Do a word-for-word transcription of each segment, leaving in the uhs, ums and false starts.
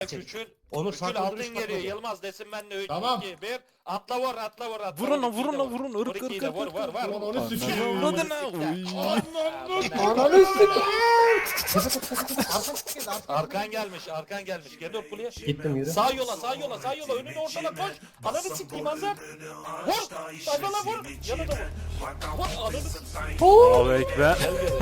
Küçül. Onur Küçül saklı altın duruş geliyor. patladı. Yılmaz desin ben de üç, Tamam. iki, bir. Atla vur, atla vur, atla Vurun vur. lan, ikiyi vurun de lan, vur. vurun. Vur Irk, ikiyi ırk, de ırk, vur, ırk, vur, ırk. vur. Ulan onu Ananı sikeyim. avradını. Ananı sikeyim. Arkan gelmiş, arkan gelmiş. Gel dur kuleye. Gittim yürü. Sağ yola, sağ yola, sağ yola. Önünü ortala koş. Ananı sikeyim hazır. Vur. Sayfala vur. Yana da vur. Vur. Ananı sikeyim. Allahu ekber. Gel geri.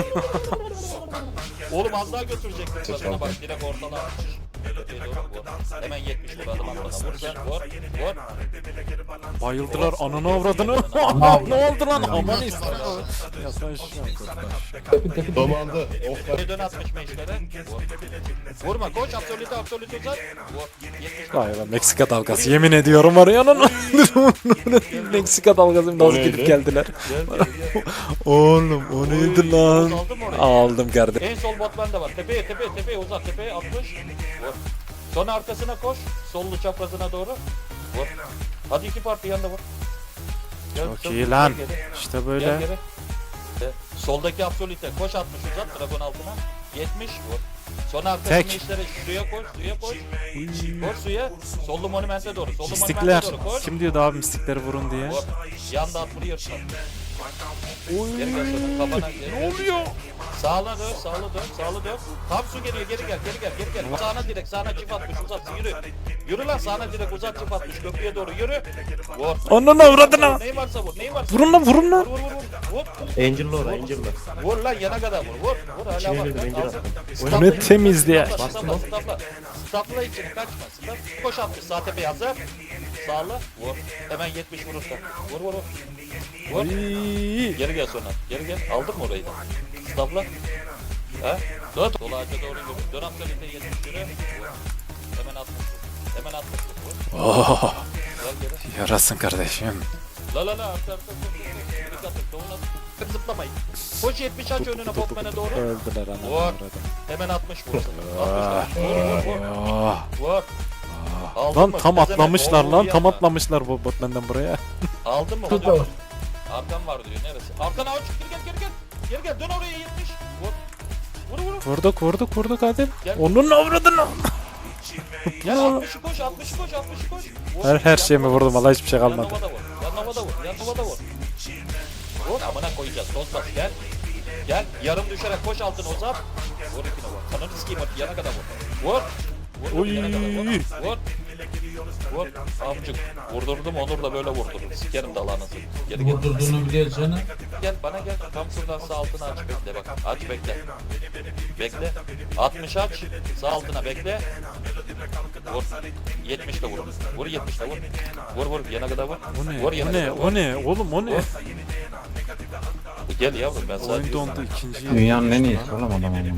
Oğlum az daha götürecektin. Başına bak direkt ortala. Tepeye doğru vur. Hemen yetmiş vur adım atmadan. Vur sen vur. Vur. Bayıldılar ananı avradını. Ne oldu lan? Aman istedim. Ya sen şu Domaldı. Of be. Bir dön atmış meşlere. Vur. Vurma koş absolute absolute uzat. Vur. yetmiş. Vay be Meksika dalgası yemin ediyorum var ya lan. Meksika dalgası nasıl neydi? gidip geldiler. Gel gel gel. Oğlum o neydi lan? Aldın mı orayı? Aldım kardeşim. En sol bot bende var. Tepeye tepeye tepeye uzat tepeye altmış. Vur. Sonra arkasına koş. Sollu çaprazına doğru. Vur. Hadi iki parti yanında vur. Gel, Çok sol- iyi lan. gel geri. İşte Gel böyle. geri. De, Soldaki absolute koş altmış uzat dragon altına. yetmiş vur. Sonra arkasına Tek. işlere suya koş suya koş. Koş suya. Sollu monumente doğru. Sollu Mistikler. monumente doğru koş. Kim diyordu abi mistikleri vurun diye? Vur. Yanda at vuruyor. Geri gel sonra kafana. Ne oluyor? Sağla dön, sağla dön, sağla dön. Tam su geliyor, geri gel, geri gel, geri gel. Sağına direkt, sağına çift atmış, uzat, yürü. Yürü lan sağına direkt, uzat çift atmış, köprüye doğru yürü. Vur. Ananı avradını. Neyin varsa vur, neyin varsa Vurun lan vurun vur, lan. vur, vur, vur. Vur. Angel'lı ora Angel'lı. Vur lan yana kadar vur, vur. Vur hala İçine bak. girdim, lan, Angel al. attım. Stopla Önüne içini, temizle. stopla, Bastım stopla, lan. stopla. Stopla içini, kaçma. Stop. Koş atmış, sağ tepeye hazır. Sağla, vur. Hemen yetmiş vurursa. Vur, vur, vur. Vur. Ay. Geri gel sonra. Geri gel. Aldın mı orayı da? Stopla. He? Dön. Sol ağaca doğru yürü. Dön absolute yetmiş yürü. Vur. Hemen atmış. vur. Hemen atmış. vur. Vur. Oh, Gel geri. yarasın kardeşim. La la la artı artı. Geri katır. Doğuna. Zıplamayın. Koş yetmiş aç önüne botmana doğru. Öldüler ananı Vur. avradını. Hemen altmış vur. altmış vur. Vur vur vur. Ah. Vur. Aldın Lan mı? tam Pezevenk, atlamışlar oğlum lan bir tam anda. atlamışlar bu botmenden buraya. Aldın mı? Hadi vur. Arkam var diyor. Neresi? Arkana aç. Geri gel geri gel. Geri gel. Dön oraya yetmiş. Vur. Vur vur. Vurduk vurduk vurduk hadi. Gel. Onun avradını. Gel altmışı koş, altmışı koş, altmışı koş. Vur. Her her şeyimi Yan vurdum nova- valla hiçbir şey yan kalmadı. nova da vur. Yan nova da vur. Yan nova da vur. Vur amına koyacağız. Toz bas gel. Gel. Yarım düşerek koş altına uzat. Vur iki nova. Kanını sikeyim hadi yana kadar vur. Vur. Vur. vur, Oy. yana kadar vur. Vur. Vur. Amcık. Vurdurdum Onur da böyle vurdurdum. Sikerim dalağınızı. Geri gel. Vurdurduğunu biliyoruz canım. Gel bana gel. Tam şuradan sağ altına aç bekle bak. Aç bekle. Bekle. altmış aç. Sağ altına bekle. Vur. yetmiş de vur. Vur yetmiş de vur. Vur vur yana kadar vur. O ne? Vur yana O ne? kadar vur. O ne? Oğlum o ne? Vur. Gel yavrum ben sana Oyun diyorum. dondu ikinci. Dünyanın en iyisi oğlum adam ama.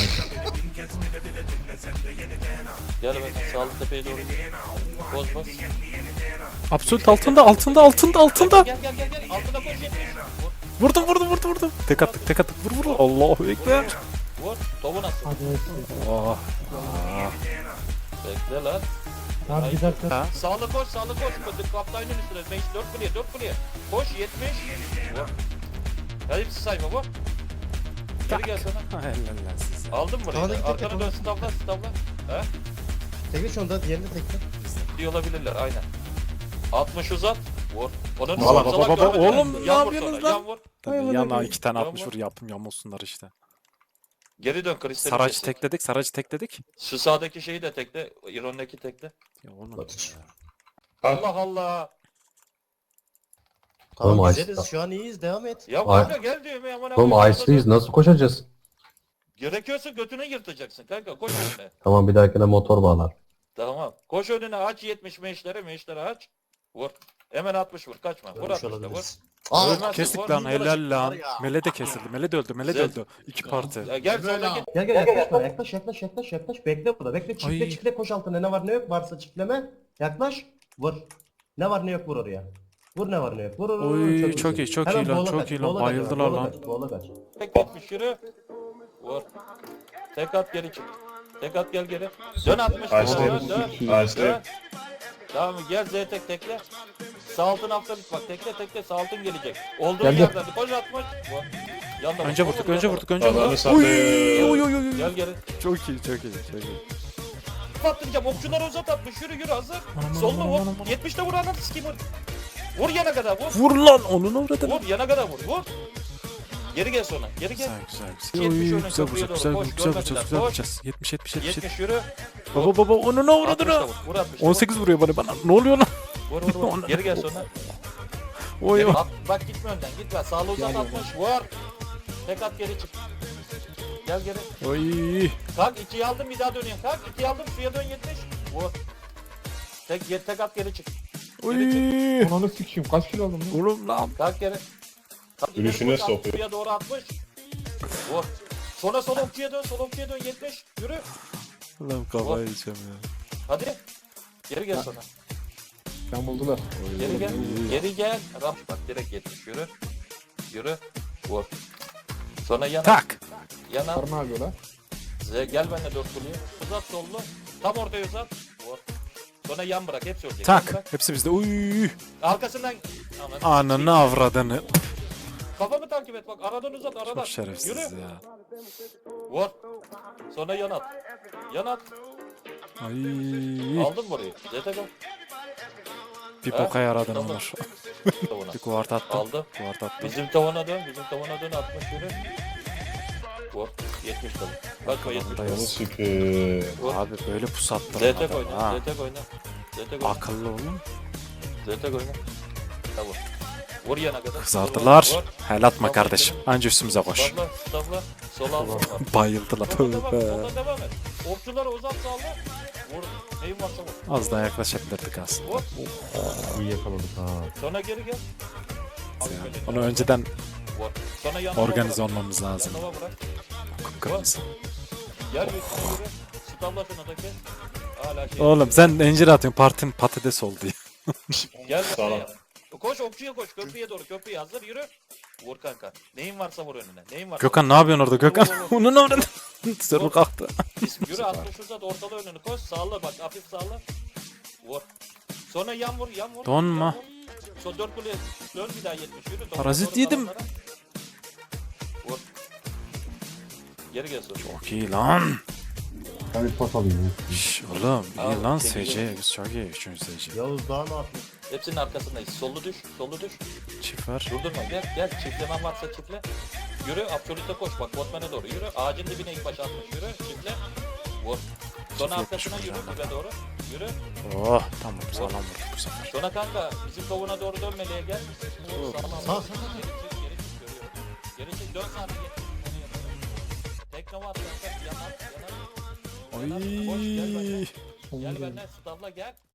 Gel ben sağlık tepeye doğru gidelim. Boz boz. Absolut altında altında altında altında. Gel gel gel gel. Altına koş yetmiş. Vur. Vurdum vurdum vurdum vurdum. Tek attık tek attık. Vur vur. Allahu ekber. Vur. Tovu nasıl? Oh. Bekle lan. Abi bir dakika. Sağlı koş sağlı koş. Kötü kaptanın üstüne. beş dört kuleye dört kuleye. Koş yetmiş. Vur. Ya hepsi sayma vur. Geri gel sana. Helal lan size. Aldın mı Tamam, burayı? git, git, Arkana git, dön stavla stavla. He? Tekne şu anda diğerinde tekne. Diye olabilirler aynen. altmış uzat. Vur. Onun Baba, baba, baba, oğlum, ne yan vur yapıyorsunuz sonra, lan? yan vur. Tabii yana iki tane Yan altmış vur. vur yapım yamulsunlar işte. Geri dön kristali. Saracı kesin. tekledik saracı tekledik. Şu sağdaki şeyi de tekle. İron'daki tekle. Ya oğlum. Allah Allah. Tamam Oğlum, güzeliz Ice- şu an iyiyiz devam et. Ya Ay- kanka gel diyorum ya. aman Oğlum Allah'ım. Ice'lıyız nasıl koşacağız? Gerekiyorsa götüne yırtacaksın kanka. Koş önüne. Tamam bir dahakine motor bağlar. Tamam. Koş önüne aç yetmiş meşlere meşlere aç. Vur. Hemen altmış vur. Kaçma. Vur Ölmüş altmış da vur. olabiliriz. Aa, Ölmez. Kestik vur. lan Vur. helal lan. var ya. Mele de kesildi. Mele de öldü. Mele de Güzel. öldü. İki parti. Ya gel Böyle soldaki. Gel gel yaklaş bana yaklaş yaklaş yaklaş yaklaş bekle burada bekle çiftle Ay. çiftle koş altına ne var ne yok varsa çiftleme yaklaş vur. Ne var ne yok vur oraya. Vur ne var ne yok vur vur vur. Oy, iyisin. çok iyi, çok Hemen iyi lan, boğula çok kaç, iyi lan. boğula kaç, Bayıldılar boğula lan. kaç, boğula kaç. Tek yetmiş yürü. Vur. Tek at geri çık. Tek at gel geri. Dön altmış. Dön dön. Dön. Tamam gel Z tek tekle. Sağ altın haftalık bak tekle tekle sağ altın gelecek. Olduğu Geldi. yerden koş atmış. Vur. Yandan Önce vur, vurduk, vur, önce yandan vurduk, vur. önce Yandan vurduk. vur. Oy oy oy oy. Gel geri. Çok iyi, çok iyi, çok iyi. Çift attıracağım. Okçuları uzat atmış. Yürü yürü hazır. Sollu vur. yetmişte vur ananı sikeyim vur. Vur yana kadar vur. Vur lan onun avradını. Vur yana kadar vur. Vur. Geri gel sonra. Geri gel. Güzel güzel güzel. yetmiş Oy, önüne güzel köprüye güzel doğru. güzel Koş, güzel görmediler. güzel güzel Koş. yapacağız. yetmiş yetmiş yetmiş yetmiş. yetmiş yürü. Baba baba onun avradını. altmışta vur. Vur altmışta. on sekiz vuruyor bana bana. Ne oluyor lan? Vur vur vur. Geri gel sonra. Oy Geri, oy. bak, bak gitme önden. Gitme. Sağlı uzat atmış. Vur. Tek at geri çık. Gel geri. Oy. Kalk ikiyi aldım bir daha dönüyorum. Kalk ikiyi aldım suya dön yetmiş. Vur. Tek, tek, tek at geri çık. Oy. Ananı sikeyim kaç kilo aldım lan? Oğlum lan. Kalk geri. Kalk, ileri Yürüyüşüne koş, at, sokuyor. Suya doğru atmış. Vur. Sonra sol okçuya dön. Sol okçuya dön yetmiş. Yürü. Lan kafayı yiyeceğim ya. Hadi. Geri gel sonra. Ben buldular. Geri gel. Geri gel. Ram bak direkt yetmiş. Yürü. Yürü. Vur. Sonra yana. Tak. Yana. Karma abi lan. Z- Gel benimle dört kuleye. Uzat sollu. Tam ortaya uzat. Vur. Sonra yan bırak. Hepsi ölecek. Yan bırak. Tak. Hepsi bizde. Uy. Arkasından. Ananı Ananı avradını. Kafamı takip et bak. Aradan uzat. Aradan. Çok şerefsiz Yürü. ya. Vur. Sonra yan at. Yan at. Ay. Aldın mı orayı? Z T K. Bir Ha? boka yaradın Tamam. Onur. Tavana. Bir kuvart attım. Aldı. Kuvart attım. Bizim tavana dön. Bizim tavana dön. altmış yürü. Vur. yetmiş tabii. Bakma yetmiş. Onu sikeyim. Vur. Abi böyle Z pusattırın T adam oyna. ha. Z T oyna. Z T oyna. Akıllı olun. Z T oyna. Tamam. Vur yana kadar. Kızardılar. Vur. Hel atma kardeşim. Anca üstümüze koş. Stopla. Stopla. Sol al. Bayıldılar. Solda devam et. Tövbe. Solda devam et. Okçuları uzat sağla. Vur. Neyin varsa vur. Az daha yaklaşabilirdik aslında. Vur. İyi yakaladık ha. Sonra geri gel. Al Ya, böyle. Onu önceden Vur. Sonra yanına organize bırak. olmamız lazım. Yanına bırak. Kıpkırmızı. Yer yüzüne yürü. Stopla şunu da kes. Hala şey. Oğlum sen incir atıyorsun. Partin patates oldu ya. Gel Sağ şuraya ol. yap. Koş okçuya koş. Köprüye doğru. Köprüye hazır yürü. Vur kanka. Neyin varsa vur önüne. Neyin varsa. Gökhan ne yapıyorsun orada Gökhan? Vur, vur, vur. Onun orada. Sırrı kalktı. vur. Yürü altmış uzat ortalı önünü koş. Sağla bak hafif sağla. Vur. Sonra yan vur yan vur. Donma. Yan vur. Son dört kuleye dön bir daha yetmiş yürü. Doğru, Parazit doğru yedim. kalanlara. Vur. Geri gel sonra. Çok iyi lan. Ben bir pot alayım. Şş, oğlum iyi Al, lan çekil. S C. Biz çok iyi. Üçüncü S C. Yavuz daha ne yapıyor? Hepsinin arkasındayız. Sollu düş. Sollu düş. Çift var. Durdurma gel gel. Çiftlemen varsa çiftle. Yürü absolute koş bak botmana doğru yürü. Ağacın dibine ilk başa atmış yürü. Çiftle. Vur. Sonra Çift arkasına yetmiş yürü vuracağım dibe doğru. Yürü. Oh tamam sağlam vurduk bu sefer. Sonra kanka bizim tavuğuna doğru dönmeliye gel. Vur, sağlam. Sağ, sağ, Geri çık geri çık görüyorum. Geri çık dön sana gel. Onu yapalım. Teknova at kanka. Yan at yan at. Yan at. Koş, gel benden. Ay. Gel benden stafla gel.